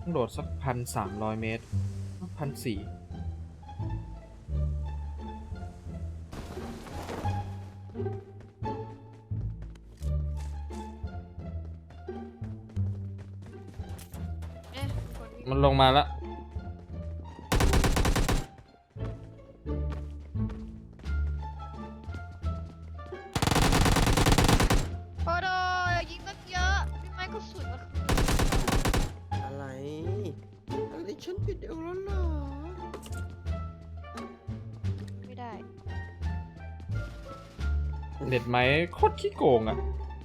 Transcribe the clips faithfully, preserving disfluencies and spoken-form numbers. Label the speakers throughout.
Speaker 1: ต้องโดดสักพันสามร้อยเมตรพันสี่มันลงมาแล้ว
Speaker 2: โอ้โหยิงตั้งเยอะพี่ไม้ก็สุดมา
Speaker 3: อะไรอะไรฉันผิดเองแล้วเหรอ
Speaker 2: ไม่ได้
Speaker 1: เน็ตไหมโคตรขี้โกงอ่ะ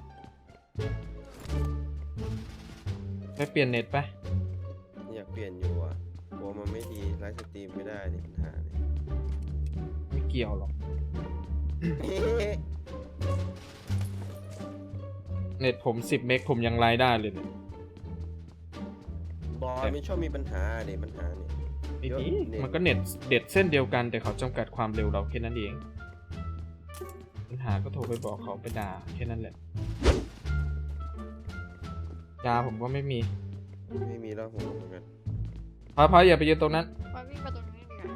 Speaker 1: ไปเปลี่ยนเน็ตไป
Speaker 3: อยากเปลี่ยนอยู่อ่ะกลัวมันไม่ดีไลฟ์สตรีมไม่ได้ดิปัญหาเนี่ย
Speaker 1: ไม่เกี่ยวหรอกเน็ตผมสิบเมกผมยังไลฟ์ได้เลยเนี่ย
Speaker 3: บอลไม่ชอบมีปัญหาเด็ปัญหาเนี่ย
Speaker 1: ไอ้
Speaker 3: เยอะ
Speaker 1: นี่
Speaker 3: เน็ต
Speaker 1: มันก็เน็ตเด็ดเส้นเดียวกันแต่เขาจำกัดความเร็วเราแค่นั้นเองปัญหาก็โทรไปบอกเขาไปด่าแค่นั้นแหละยาผมก็ไม่มี
Speaker 3: ไม่มีแล้วผมเหมือนกัน
Speaker 1: พอพออย่าไปยืนตรงนั้น
Speaker 2: พอวิ่งมาตรงนี้ดีกว่า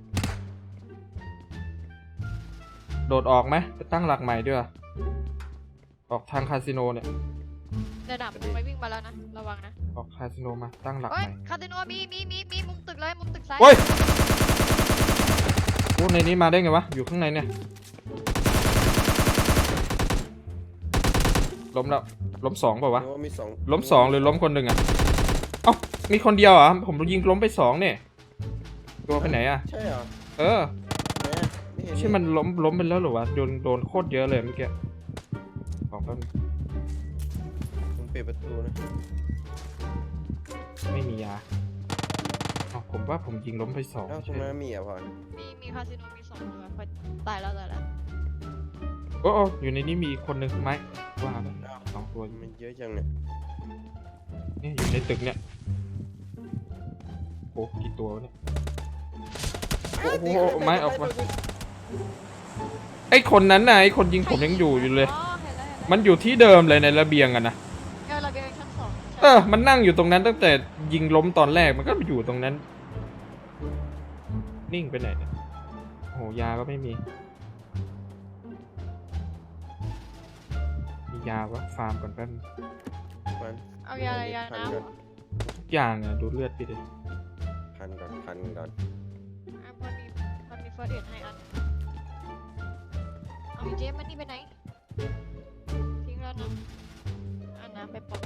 Speaker 1: โดดออกไหมไปตั้งหลักใหม่ด้วยออกทางคาสิโนเนี่ย
Speaker 2: ระดับมันไม่วิ่งมาแล้วนะระวังนะ
Speaker 1: ออกคาสิโนมาตั้งหลัก
Speaker 2: โอ้
Speaker 1: ให
Speaker 2: ย
Speaker 1: ม่
Speaker 2: คาสิโนมีมีมีมีมุมตึกเลยมุมตึกซ้าย
Speaker 1: โอ้ยโอ้ในนี้มาได้ไงวะอยู่ข้างในเนี่ยล้มแล้วล้มสองเปล่าวะ
Speaker 3: นึกว่ามีสอง
Speaker 1: ล้มสองหรือล้มคนหนึ่งอ่ะเอ้ามีคนเดียวเหรอ่ะผมยิงล้มไปสองเนี่ยตัวไปไหนอ่ะ
Speaker 3: ใช่เหรอ
Speaker 1: เออ
Speaker 3: แม่ไม่เห็น
Speaker 1: ใช่มันล้มล้มไปแล้วหรอวะโดนโดนโคตรเยอะเลยเมื่อกี้ของก็
Speaker 3: ผมปิดประตูนะ
Speaker 1: ไม่มียาอ๋อผมว่าผมยิงล้มไปสอง
Speaker 3: เอ้าตรง
Speaker 1: ใช่
Speaker 3: นั้นมีอ่ะพอน
Speaker 2: มีมีคาสิโนมีสองตัวพอตายแล้วตายแล้ว
Speaker 1: โอ้โอ้อยู่ในนี้มีอีกคนหนึ่งไหมว่าไป
Speaker 3: อ้าว
Speaker 1: สองตัว
Speaker 3: มันเยอะจังเนี่ย
Speaker 1: เนี่ยอยู่ในตึกเนี่ยโอ้กี่ตัววะเนี่ยโอ้โหไม้ออกมาไอ้คนนั้นน่ะไอ้คนยิงผมยังอยู่อยู่เลย
Speaker 2: อ๋อเห็นแล้วเห็นแล้ว
Speaker 1: มันอยู่ที่เดิมเลยในระเบียงอะนะ
Speaker 2: เออระเบียงชั้นสอง
Speaker 1: เออมันนั่งอยู่ตรงนั้นตั้งแต่ยิงล้มตอนแรกมันก็อยู่ตรงนั้น นิ่งไปไหนเนี่ยโอ้โหยาก็ไม่มีมียาวะฟาร์มก่อนแป๊บนึง
Speaker 3: มัน
Speaker 2: เอายาอะไรยาน้ำเหรอ
Speaker 1: ทุกอย่างอะดูเลือดไปดิ
Speaker 3: พันก่อนพันก่อน
Speaker 2: อ่ะมันมีมันมีเฟิร์สเอ็ดให้อันเอาอีเจมมันนี่ไปไหนทิ้งแล้วนะเอาน้ำไปปอก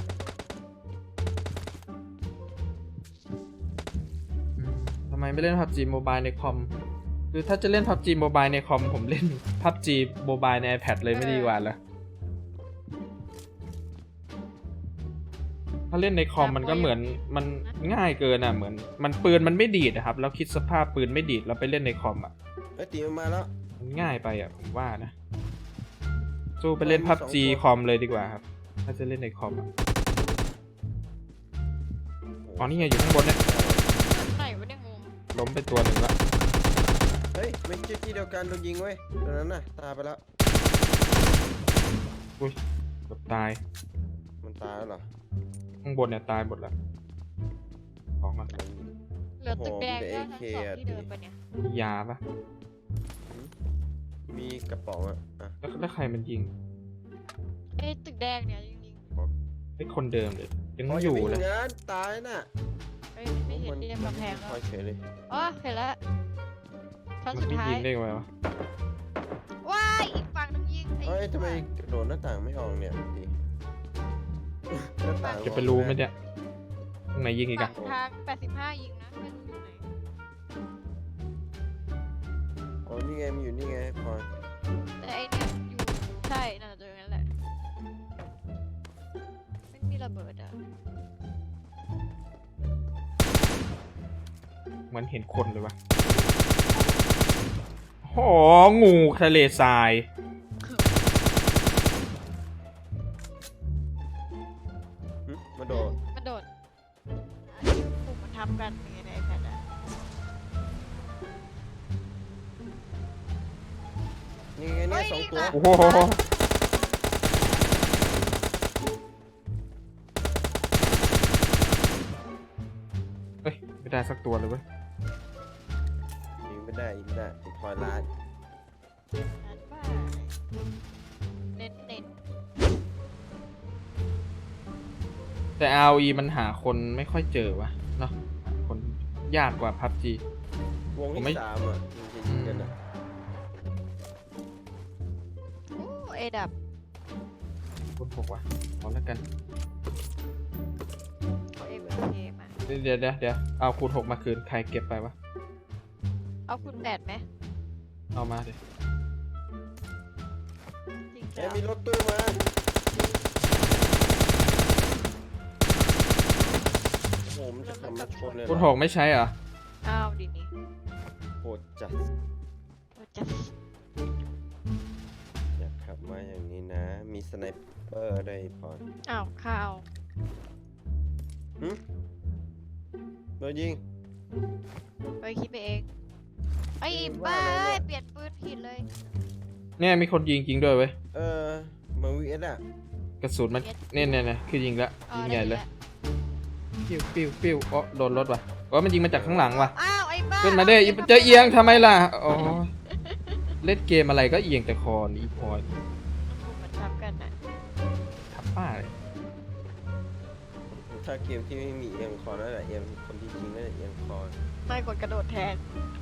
Speaker 1: อืมทำไมไม่เล่น พับจี Mobile ในคอมคือถ้าจะเล่น พับจี Mobile ในคอมผมเล่น พับจี Mobile ใน iPad เลยไม่ดีกว่าเหรอถ้าเล่นในคอมมันก็เหมือนมันง่ายเกินอ่ะเหมือนมันปืนมันไม่ดีดนะครับแล้วคิดสภาพปืนไม่ดีดแล้วไปเล่นในคอมอ่ะ
Speaker 3: เอ้ยตีมันมาแล้ว
Speaker 1: มันง่ายไปอ่ะผมว่านะสู้ไปเล่น พับจี คอมเลยดีกว่าครับถ้าจะเล่นในคอมอะอ๋อนี่ไงอยู่ข้างบนเนี่ย
Speaker 2: ไหนวะเนี่ยงง
Speaker 1: ล้มไปตัวหนึ่งละ
Speaker 3: เฮ้ยไม่ใช่ที่เดียวกันโดนยิงเว้ยตอนนั้นน่ะตายไปแล้ว
Speaker 1: อุ้ยเกือบตาย
Speaker 3: มันตายแล้วเหรอ
Speaker 1: ข้างบนเนี่ยตายหมดแล้วของมัน
Speaker 2: เหลือตึกแดงด้วยชั้นสองที่เดินไปเนี่ย
Speaker 1: มียาปะ
Speaker 3: มีกระป๋องอ่ะอ่ะ
Speaker 1: แล้วแล้วใครมันยิง
Speaker 2: ไอ้ตึกแดงเนี่ยจริง
Speaker 1: ไอ้คนเดิมเลยยัง
Speaker 3: อ๋อ
Speaker 1: อ
Speaker 3: อย่า
Speaker 1: ยู่
Speaker 3: วิ่ง
Speaker 1: เลย
Speaker 3: งานตายน่ะ
Speaker 2: ๆเฮ้ยไม่เห็นเรียกกำแพง
Speaker 3: ค
Speaker 2: แล้
Speaker 3: อ
Speaker 2: วย
Speaker 3: เฉยเลย
Speaker 2: อ๋อเห็นแล้วชั้น
Speaker 1: มัน
Speaker 2: สุด
Speaker 1: ไม่
Speaker 2: ท้าย
Speaker 1: ยิงได้ไงวะ
Speaker 2: ว้ายอีกฝั่งหนึงยิง
Speaker 3: เฮ้ยทำไมกระโดดหน้าต่างไม่ออกเนี่ยดีหน้าต่าง
Speaker 1: จะไปรู้ไหมเนี่ยตรงไหนยิงอีก
Speaker 2: ฝั่
Speaker 1: อะ
Speaker 2: งทางแปดสิบห้ายิงนะไม่รู้อยู่ไหน
Speaker 3: อ๋อนี่ไงมันอยู่นี่ไงพลอย
Speaker 2: แต่ไอเนี่ยอยู่ใช่น่าจะเจออย่างนั้นแหละไม่มีระเบิดอ่ะ
Speaker 1: เหมือนเห็นคนเลยวะโหงูทะเลทราย
Speaker 3: หึมาโดด
Speaker 2: มันโดดปุ่มมันทับกันอย่างเงี้ยในไอแพดอ่ะ
Speaker 3: นี่ไงเนี่ยสองตัว
Speaker 1: โอ้โหไม่ได้สักตัวเลยเว้ย
Speaker 3: ยิงไม่ได้ยิงไม่ได้ติดพอยล้าน
Speaker 2: นัดบ้าเน้นเน้น
Speaker 1: แต่ อาร์ โอ อี มันหาคนไม่ค่อยเจอวะเนาะหาคนยากกว่า พับจี
Speaker 3: วง
Speaker 1: ผมไม่
Speaker 3: ที่สามอ่ะมันจะยิงกันอ่ะ
Speaker 2: โอ้เอดับ
Speaker 1: คนหกวะเอาแล้วกัน
Speaker 2: เอาเอเวอร์เคมา
Speaker 1: เดี๋ยวเดี๋ยวเดี๋ยวเอาคูณหกมาคืน ใครเก็บไปวะ
Speaker 2: เอาคุณแปดไหม
Speaker 1: เอามาเดี๋ยว
Speaker 2: จริง
Speaker 3: เอ้
Speaker 2: จั
Speaker 3: ย
Speaker 2: ง
Speaker 3: มีรถตู้มาโอ้โหมันจะขับมาชนเลยเหร
Speaker 1: คู
Speaker 3: อ
Speaker 1: ณหกไม่ใช้เหรอ
Speaker 2: อ้าวดีนี่
Speaker 3: โหดจัด
Speaker 2: โอ้จัส
Speaker 3: อยากขับมาอย่างนี้นะ มีสไนเปอร์ด้วยพอน
Speaker 2: อ้าวข้าว
Speaker 3: หึโดนยิง
Speaker 2: ไปคิดไปเองไอ้
Speaker 3: เอ้ย
Speaker 2: บ้า
Speaker 3: ว่าอะไรเนี่ย
Speaker 2: เปลี่ยนปืนผิดเลย
Speaker 1: เนี่ยมีคนยิงจริงด้วยเว้ย
Speaker 3: เออมาวีเอสอ่ะ
Speaker 1: กระสุนมันเนี่ยเนี่ยเนี่ยคือยิงละ
Speaker 2: อ๋อ
Speaker 1: ยิง
Speaker 2: ได้
Speaker 1: ใหญ่เลย
Speaker 2: แว
Speaker 1: ปิ้วปิ้วปิ้วอ๋อโดนรถว่ะอ๋อมันยิงมาจากข้างหลังว่ะ
Speaker 2: อ้าวไอ้บ้า
Speaker 1: ขึ้นมาเด้อ
Speaker 2: อ
Speaker 1: อีเจอเอียงทำไมล่ะอ๋อเล่นเกมอะไรก็เอียงแต่คอนี่อีพอย
Speaker 2: มันทำกันนะ
Speaker 1: ทับป้าเลย
Speaker 3: ถ้าเกมที่ไม่มีเอียงคอนั่นแหละเอียงคนที่จริงนั่นแหละเอียงคอ
Speaker 2: ไม่กดกระโดดแทน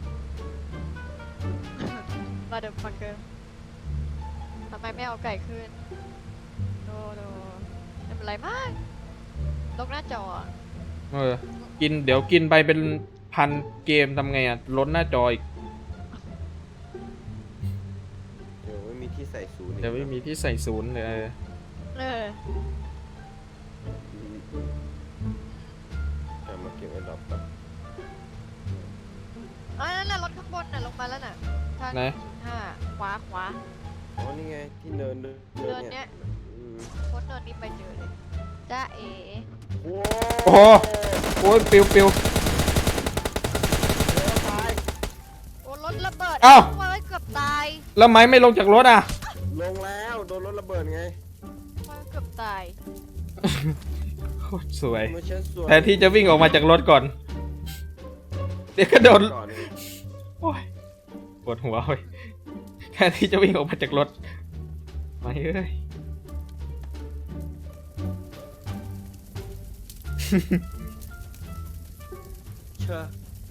Speaker 2: มาเดิมฟังเกินทำไมไม่เอาไก่ขึ้นโดโดไม่เป็นไรมากลกหน้าจออะ
Speaker 1: เออกินเดี๋ยวกินไปเป็นพันเกมทำไงอ่ะล้นหน้าจออีก
Speaker 3: เดี๋ยวไม่มีที่ใส่ศูนย์อีก
Speaker 1: เดี๋ยวไม่มีที่ใส่ศูนย์เลยเออ
Speaker 2: เออ
Speaker 3: กลับมาเก็บไอ้ดอกก่อน
Speaker 2: อ๋อนั่นน่ะรถข้างบนน่ะลงมาแล้วน่ะทาง
Speaker 1: ไหน
Speaker 2: ห้าขวาขวา
Speaker 3: อ๋อนี่ไงที่เนินเนิน
Speaker 2: เดิน
Speaker 3: เนี่
Speaker 2: เนี้
Speaker 3: ย
Speaker 2: ย
Speaker 3: อืม
Speaker 2: พ้นเดินนี้ไปเจอเลยจ้าเอ๋
Speaker 3: โอ้
Speaker 1: โอ้โห โอ้ยปิวปิว
Speaker 3: เดี๋ยวตาย
Speaker 2: โอ้รถระเบิด
Speaker 1: อ้าว
Speaker 2: ไว้เกือบตาย
Speaker 1: แล้วไม้ไม่ลงจากรถอ่ะ
Speaker 3: ลงแล้วโดนรถระเบิดไง
Speaker 2: ไว้เกือบตาย
Speaker 1: โคตรสวย
Speaker 3: ไม่ใช่ส่วน
Speaker 1: แทนที่จะวิ่งออกมาจากรถก่อน เดี๋ยวก็โดน
Speaker 3: ก่อนเลย
Speaker 1: โอ้ยปวดหัวเว้ยแทนที่จะวิ่งออกมาจากรถไม่เอ้ย
Speaker 3: เชื่อ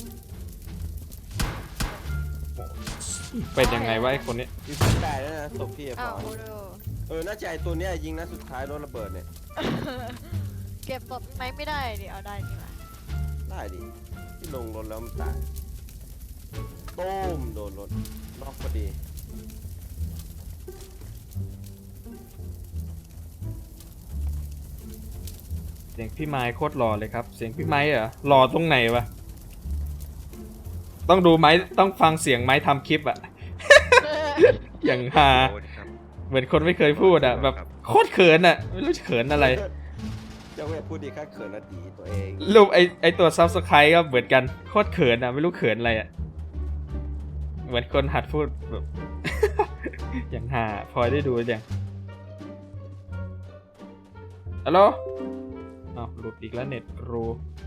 Speaker 1: เป็นยังไงวะไอ้คนนี้
Speaker 3: อยู่ที่ตายแล้วนะศพพี่อะ
Speaker 2: อ้า
Speaker 3: พ
Speaker 2: ว
Speaker 3: อ
Speaker 2: โอ้โห
Speaker 3: เออน่าจะไอตัวเนี้ยยิงนะสุดท้ายรถระเบิดเนี่ย
Speaker 2: เก็บศพไหมไม่ได้ดิเอาได้นี่หว่า
Speaker 3: ได้ดิที่ลงรถแล้วมันตายต้มโดนรถล็อกพอดี
Speaker 1: เสียงพี่ไม้โคตรหล่อเลยครับ เสียงพี่ไม้เหรอหล่อตรงไหนวะ ต้องดูไม้ต้องฟังเสียงไม้ทำคลิปอะ อย่างฮา
Speaker 4: โอ้ยครับ
Speaker 1: เหมือนคนไม่เคยพูดอะแบบโคตรเขินอะไม่รู้จะเขินอะไร
Speaker 3: เจ้าแม่พูดดีค่าเขินอดีตัวเอง
Speaker 1: รูปไอไอตัวซับสไครต์ก็เหมือนกันโคตรเขินอะไม่รู้เขินอะไรอะเหมือนคนหัดพูดแบบ อย่างฮาพลอยได้ดูยังฮัลโหลอ้าวหลุดอีกแล้วเน็ตรู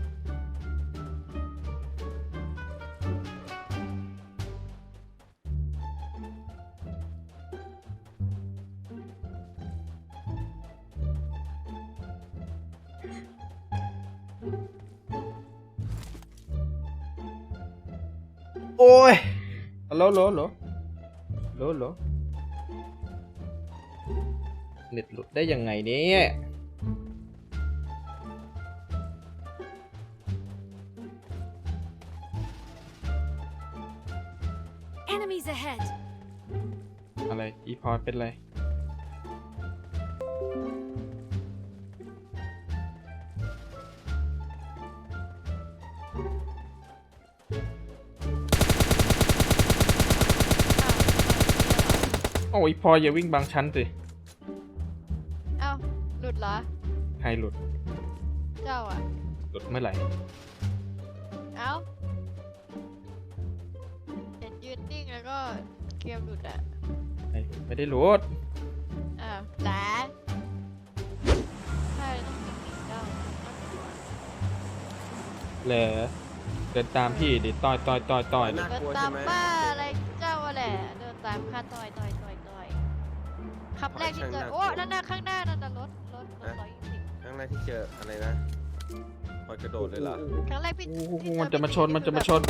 Speaker 1: โอ้ยฮัลโหลโหลโหลโหลโหลเน็ตหลุดได้ยังไงเนี่ย
Speaker 5: Enemies ahead!
Speaker 1: อะไร อีพอร์ตเป็นไร
Speaker 2: อ้าว
Speaker 1: โอ้ยพออย่าวิ่งบางชั้นสิ
Speaker 2: อ้าวหลุดเหรอ
Speaker 1: ใครหลุด
Speaker 2: เจ้าอ่ะ
Speaker 1: หลุดเมื่อไหร่
Speaker 2: เอ้าเห็นยืนนิ่งแล้วก็เกมหลุดอ่ะ
Speaker 1: ไม่หลุดไม่ได้หลุด
Speaker 2: อ้าวแหละใช่ต้องนิ่งๆเจ้า
Speaker 1: เหรอเดินตามพี่ดิต่อยต่อยต่อยต่อย
Speaker 3: น่า
Speaker 2: เดิน
Speaker 3: กลัว
Speaker 2: ตา
Speaker 3: ใช่
Speaker 2: ม
Speaker 3: ไหม
Speaker 2: บ้าอะไรเจ้าอะแหละเดินตามข้าต่อยต่อยต่อยต่อยคำแรกที่เจอโอ้นั่นน่ะข้างหน้านั่นน่ะรถรถรถร้อยยี่สิบ
Speaker 3: ครั้งแรกที่เจออะไรนะพอยกระโดดเลยเหรอ
Speaker 2: ครั้งแรกพี่
Speaker 1: โอ้โห
Speaker 2: ที่เจอ
Speaker 1: มันจะมาชน
Speaker 2: พี่
Speaker 1: มันจะมาช
Speaker 2: คือแบบ
Speaker 1: น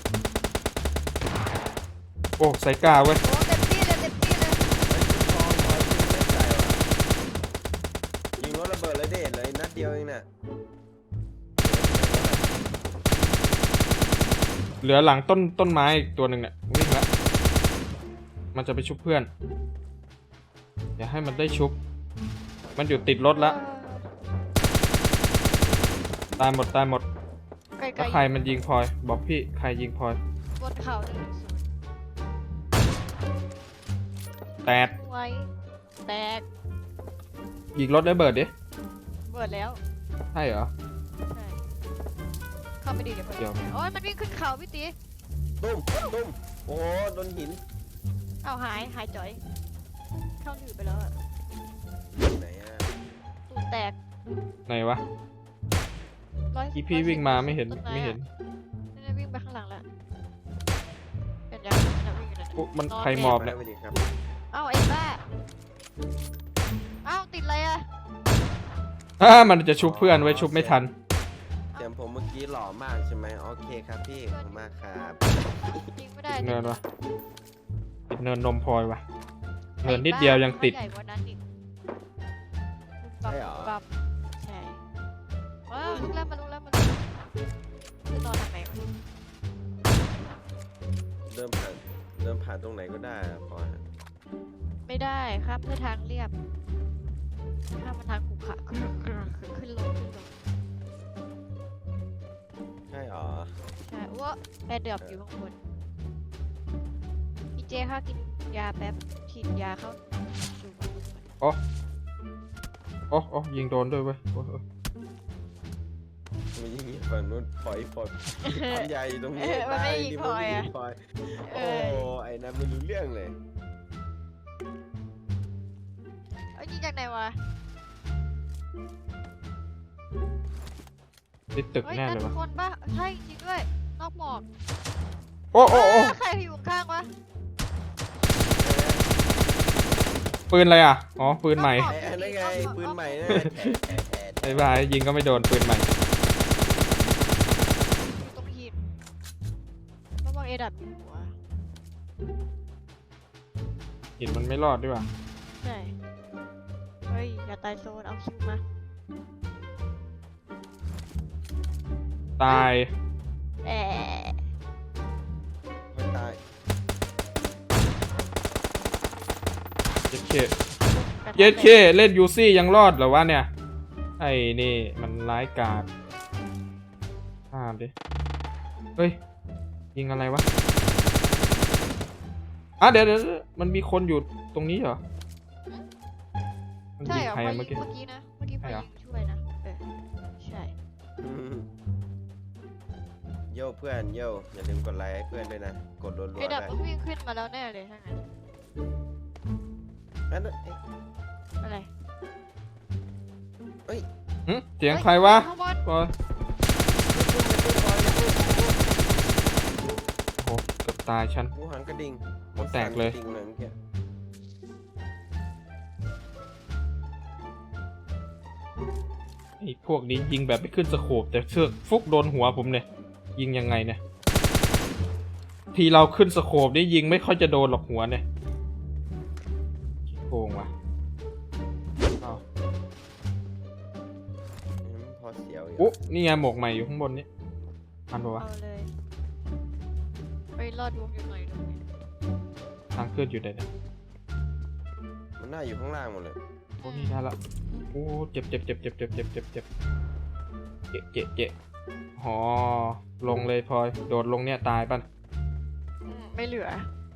Speaker 1: โอ้ใส่กล้าเว้ย
Speaker 2: โอ้เต็มที่เลยเต็มที่เลย
Speaker 3: เฮ้ยคุณทองพอยคุณเล่นใจว่ะยิงรถระเบิดเลยเด็ดเลยนัดเดียวเองน่ะ
Speaker 1: เหลือหลังต้นต้นไม้อีกตัวหนึ่งเนี่ยวิ่งละมันจะไปชุบเพื่อนอย่าให้มันได้ชุบ มันอยู่ติดรถละตายหมดตายหมด
Speaker 2: ไกล
Speaker 1: แล้วใครมันยิงพลอย บอกพี่ใครยิงพลอย
Speaker 2: ๆบนเขาหนึ่งศูนย์
Speaker 1: แตด
Speaker 2: ไว้แตก
Speaker 1: ยิงรถได้เบิดดิ
Speaker 2: เบิดแล้ว
Speaker 1: ใช่เหรอ
Speaker 2: ใช่เข้าไปดีเดี๋ยวเปิด
Speaker 1: เดี๋ยว
Speaker 2: โอ้ยมันวิ่งขึ้นเขาพี่ตี
Speaker 3: ตุ้มตุ้มโอ้โหโดนหิน
Speaker 2: เอาหายหายจ่อย เข้าหนืดไปแล้วอะ
Speaker 3: ไหนอ่ะ
Speaker 2: ตูดแตก
Speaker 1: ไหนวะ
Speaker 2: ร้อย
Speaker 1: อีพี่วิ่งมาไม่เห็น
Speaker 2: ต้
Speaker 1: ไม่เห็น
Speaker 2: นี่นะวิ่งไปข้างหลังแล้วเป็นยังนะวิ่งอยู่นั่น
Speaker 1: โอ้
Speaker 2: น่ะ
Speaker 1: มัน
Speaker 2: นอน
Speaker 1: ใครหมอบ
Speaker 3: ไป
Speaker 1: เนี่ย
Speaker 3: ไปดิครับ
Speaker 2: เอ้าไอ้บ้าเอ้าติดอะไรอะ
Speaker 1: อ่ามันจะชุบเพื่อนไว้ชุบไม่ทัน
Speaker 3: เสียงผมเมื่อกี้หล่อมากใช่ไหมโอเคครับพี่ขอบคุณมากครับ
Speaker 2: ยิงไม่ได้
Speaker 1: เนินวะติดเนินนมพลอยวะเนินนิดเดียวยังติด
Speaker 2: ใหญ่กว่านั้นอีกปั๊บปั๊บใช่ว้าวลุกแล้วมาลุกแล้วมาลุกจะนอนทำไมวะ
Speaker 3: เริ่มผ่านเริ่มผ่านตรงไหนก็ได้อะพอฮะ
Speaker 2: ไม่ได้ครับเพื่อทางเรียบข้ามมาทางขุขระขึ้นขึ้นลงขึ้นลง
Speaker 3: ใช่หรอ
Speaker 2: ใช่ว่าแอร์เดือบอยู่ข้างบนพี่เจค่ะกินยาแป๊บฉีดยาเข้าสู่กระดูกมัน
Speaker 1: โอ้โอ้โอ้ยิงโดนด้วยเว้ยโอ้โอ้
Speaker 3: มันยิงอีกฝั่งนู้นปล่อยปล่อยความใหญ่อยู่ตรงนี้
Speaker 2: เออมันไม่ยิง
Speaker 3: ดิ
Speaker 2: พลอยอะ
Speaker 3: มันไม่ยิงพลอย
Speaker 2: เอ
Speaker 3: โอ้
Speaker 2: อ
Speaker 3: ไอ้นั่นไม่รู้เรื่องเลย
Speaker 2: เอ้ยยิงจากไหนวะ
Speaker 1: ติดตึก
Speaker 2: เฮ้ย
Speaker 1: แน่
Speaker 2: นั่
Speaker 1: เล
Speaker 2: น
Speaker 1: ยวะ
Speaker 2: คนปะใช่จริงด้วยนอกหมอก
Speaker 1: โอ้โอ้โอ้
Speaker 2: เใครอยู่ข้างวะ
Speaker 1: ปืนอะไรอ่ะ อ๋อ ปืนใหม่
Speaker 2: นอก
Speaker 3: ไอ้นั่นไงปืนใหม่นั่นแฉะแฉะแฉะ
Speaker 1: ไอ้บ้ายิงก็ไม่โดนปืนใหม่
Speaker 2: อยู่ตรงหินระวังเอดับอยู่หัว
Speaker 1: หินมันไม่รอดด้วยว่ะ
Speaker 2: ใช่เฮ้ยอย่าตายโซนเอาคิวมา
Speaker 1: ตาย
Speaker 2: แอะ
Speaker 3: ไม่ตาย
Speaker 1: เย็ดเคเย็ดเคเล่นยูซี่ยังรอดเหรอวะเนี่ย ไอ้นี่มันร้ายกาจข้ามดิ เฮ้ย ยิงอะไรวะ อ่ะเดี๋ยวเดี๋ยวเดี๋ยวมันมีคนอยู่ตรงนี้เหรอ มัน
Speaker 2: ใช่
Speaker 1: ยิง
Speaker 2: เหรอ
Speaker 1: ใคร
Speaker 2: พอ
Speaker 1: อะ
Speaker 2: ยิ
Speaker 1: เมื่อง กี้
Speaker 2: เมื่อกี้นะเมื่อกี้พอ
Speaker 1: ใช่เหรอ
Speaker 2: ยิงช่วยนะเออใช่
Speaker 3: อืมโย่เพื่อนโย่อย่าลืมกดไลค์ให้เพื่อนด้วยนะ กดรัวๆ
Speaker 2: เอดับ
Speaker 3: ได้
Speaker 2: ต้องวิ่งขึ้นมาแล้วแน่เลยถ้างั้น
Speaker 3: นั่นน่ะเอ๊ะ
Speaker 2: อะไร
Speaker 1: หึเสียงใครวะ
Speaker 2: ข้างบน
Speaker 1: โอ้ยโอ้โหเกือบตายฉัน
Speaker 3: หมูหันกระดิ่ง
Speaker 1: หัวแตกเลย
Speaker 3: สั่นระดิ่งเลยเมื่อกี้
Speaker 1: ไอ้พวกนี้ยิงแบบไม่ขึ้นสโคปแต่เชือกฟุกโดนหัวผมเนี่ยยิงยังไงเนี่ยทีเราขึ้นสโคปนี่ยิงไม่ค่อยจะโดนหรอกหัวเนี่ยขี้โกงว่ะอ้าว
Speaker 3: อืมพอเสียวอยู่
Speaker 1: โอ้นี่ไงหมวกใหม่อยู่ข้างบนนี้ทันปะวะ
Speaker 2: เอาเลยไปรอดวงอยู่หน่อยตรงนี้
Speaker 1: ทางขึ้นอยู่ไหนเนี่ย
Speaker 3: มันน่าอยู่ข้างล่างหมดเลย
Speaker 1: โอ้นี่ได้ละโอ้เจ็บเจ็บเจ็บเจ็บเจ็บเจ็บเจ็บเจ็บเจ็บเจ็บเจ็บอ๋อลงเลยพลอยโดดลงเนี่ยตายป่ะ
Speaker 2: อืมไม่เหลือ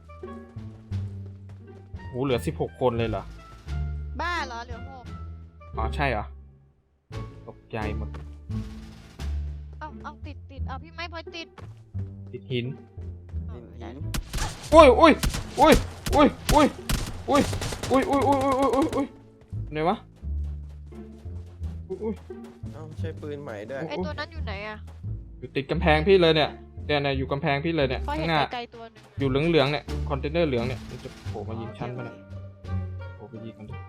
Speaker 1: โหเหลือสิบหกคนเลยเหรอ
Speaker 2: บ้าเหรอเหลือหก
Speaker 1: อ๋อใช่เหรอตกใจหมด
Speaker 2: เอ้าเอาติดติดเอาพี่ไม้พลอยติด
Speaker 1: ติดหิน
Speaker 2: เอา
Speaker 3: หิน
Speaker 2: ได้
Speaker 3: หิน
Speaker 1: อุ้ยอุ้ยอุ้ยอุ้ยอุ้ยอุ้ยอุ้ยอุ้ยอุ้ยอุ้ยอุ้ยอุ้ยอุ้ยไหนวะอุ้ยอุ้ย
Speaker 3: เอ้าใช้ปืนใหม่ด้วย
Speaker 2: ไอตัวนั้นอยู่ไหนอะ
Speaker 1: อยู่ติดกำแพงพี่เลยเนี่ยเนี่ยเนี่ยอยู่กำแพงพี่เลยเนี่ย
Speaker 2: เพราะ
Speaker 1: ข้า
Speaker 2: เห็น
Speaker 1: งหน้า
Speaker 2: ไกลๆตัวหนึ่ง
Speaker 1: อยู่เหลืองๆเนี่ยคอนเทนเนอร์เหลืองเนี่ยมันจะโผล่มายิงชั้นปะเนี่ยโผล่ไปยิงกันดิ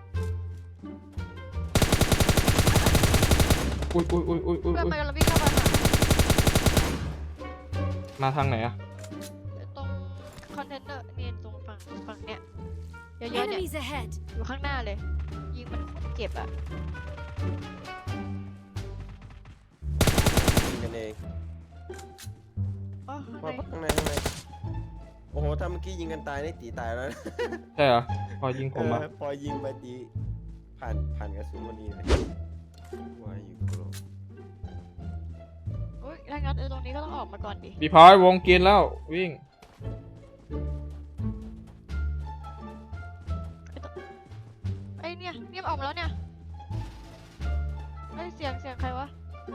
Speaker 1: อุ้ยอุ้ยอุ้ยอุ้ยอุ้ย
Speaker 2: เพื่อน
Speaker 1: อุ้
Speaker 2: มัน
Speaker 1: ย
Speaker 2: กำลังวิ่งเข้ามาหา
Speaker 1: มาทางไหนอะ
Speaker 2: ตรงคอนเทนเนอร์นี่ตรงฝั่งฝั่งเนี้ยเยอะๆเนี่ย
Speaker 5: Enemies ahead!
Speaker 2: อยู่ข้างหน้าเลย ยิงมันเจ็บอ่ะ
Speaker 3: ยิงกันเอง
Speaker 2: อ๋อข้าง
Speaker 3: พอ
Speaker 2: ใน
Speaker 3: ข้างในข้างในโอ้โหถ้าเมื่อกี้ยิงกันตายนี่ตีตายแล้วนะ
Speaker 1: ใช่เหรอพอยิงผมอะ
Speaker 3: เออพอยิงไปตีผ่านผ่านกระสุนพอดีเลยว่าอยู่กลัว
Speaker 2: อุ้ยถ้างั้นเออตรงนี้ก็ต้องออกมาก่อนดิ
Speaker 1: พี่พลอยวงกินแล้ววิ่ง
Speaker 2: ไอ้เนี่ยเนี่ยมันออกมาแล้วเนี่ยไอ้ยเสียงเสียงใครวะ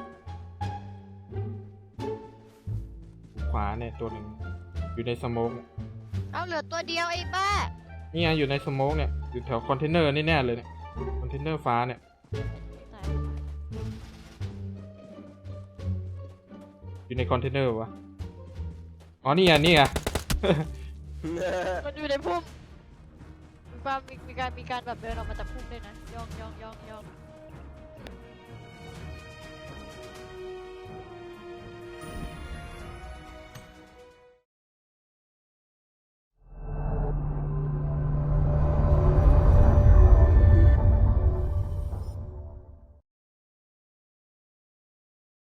Speaker 1: ขวาเนี่ยตัวหนึ่งอยู่ในสโมกเนี่ย
Speaker 2: เอาเหลือตัวเดียวไอ้บ้า
Speaker 1: นี่ไงอยู่ในสโมกเนี่ยอยู่แถวคอนเทนเนอร์นี่แน่เลยเนี่ยคอนเทนเนอร์ฟ้าเนี่ย
Speaker 2: ตาย
Speaker 1: อยู่ในคอนเทนเนอร์วะอ๋อนี่ไงนี่ไง
Speaker 2: มันอยู่ในพุ่มมีความมีมีการมีการแบบเดินออกมาจากพุ่มด้วยนะย่องย่องย่องย่อง